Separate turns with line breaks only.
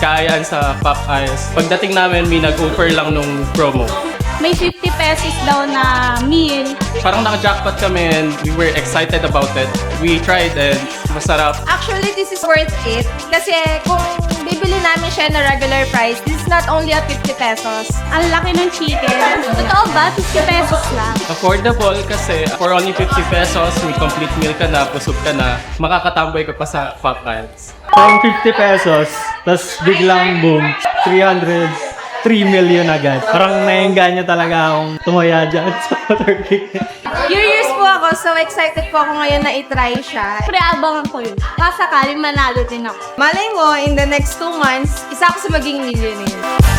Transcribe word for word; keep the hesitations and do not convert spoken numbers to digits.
kaayaan sa Popeyes. Pagdating namin, may nag-offer lang nung promo.
May fifty pesos daw na meal.
Parang naka-jackpot kami and we were excited about it. We tried and masarap.
Actually, this is worth it. Kasi kung bibili namin siya na regular price, this is not only at fifty pesos.
Ang laki ng chicken. Totoo ba? fifty pesos lang.
Affordable kasi for only fifty pesos, may complete meal ka na, busog ka na, makakatamboy ka pa sa Popeyes.
From fifty pesos, tas biglang boom, three hundred, three million agad. Parang naingganya talaga akong tumaya dyan sa Turkey.
Curious po ako, so excited po ako ngayon na itry siya.
Pre, abangan ko yun. Kasakaling manalo din ako.
Malay mo, in the next two months, isa ako sa maging millionaire.